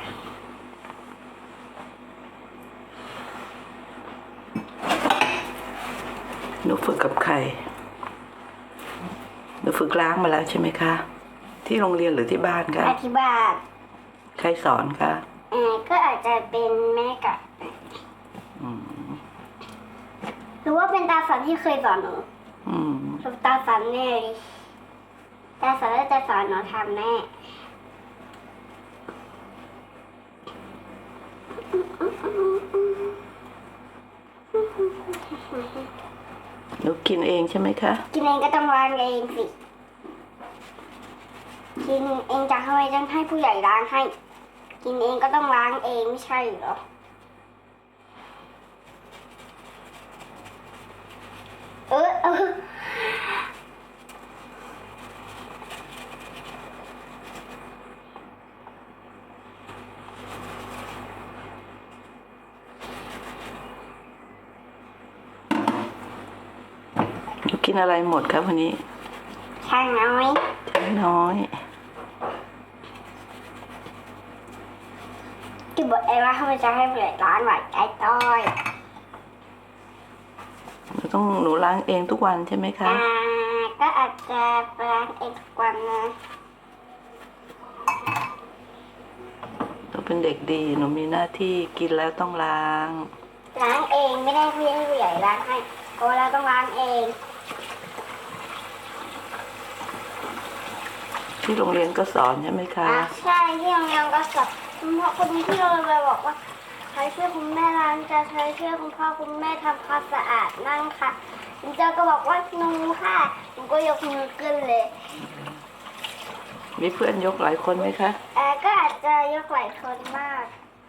หนูฝึกกับใครหนูฝึกล้างมาแล้วใช่ไหมคะที่โรงเรียนหรือที่บ้านคะที่บ้านใครสอนคะก็อาจจะเป็นแม่กับหรือว่าเป็นตาสันที่เคยสอนหนูตาสันแน่เลยตาสันก็จะสอนหนูทำแม่หนูกินเองใช่ไหมคะกินเองก็ต้องล้างเองสิกินเองจะทำไมต้องให้ผู้ใหญ่ล้างให้กินเองก็ต้องล้างเองไม่ใช่เหรอกินอะไรหมดครับวันนี้ช่างน้อยที่บอกเองว่าเขาจะให้ผู้ใหญ่ล้างหน่อยไอ้ต้อยหนูล้างเองทุกวันใช่ไหมคะก็อาจจะล้างเองทุกวันนะหนูเป็นเด็กดีหนูมีหน้าที่กินแล้วต้องล้างเองไม่ได้ให้ผู้ใหญ่ล้างให้ก็เราต้องล้างเองที่โรงเรียนก็สอนใช่ไหมคะใช่ที่โรงเรียนก็สอนเพราะคนที่เราไปบอกว่าใช้ช่วยคุณแม่ล้างจะใช้ช่วยคุณพ่อคุณแม่ทำความสะอาดนั่งค่ะคุณเจ้าก็บอกว่าหนูค่ะหนูก็ยกมือขึ้นเลยมีเพื่อนยกหลายคนไหมคะก็อาจจะยกหลายคนมาก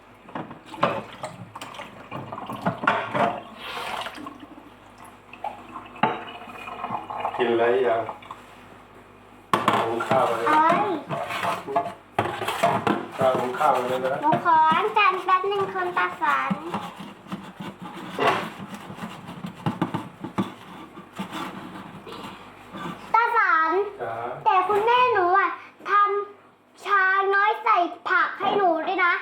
กินอะไรยังหุงข้าวอะไรหุงข้าวอะไรนะหนูขอล้างจานแป๊บนึงคนตาสันแต่คุณแม่หนูทำชาน้อยใส่ผักให้หนูด้วยนะ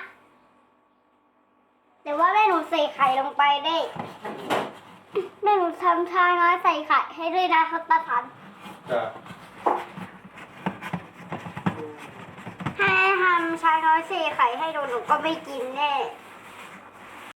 แต่ว่าแม่หนูใส่ไข่ลงไปได้แม่หนูทำชาน้อยใส่ไข่ให้ด้วยนะเขาตาสันให้ทำชาน้อยใส่ไข่ให้หนูก็ไม่กินแน่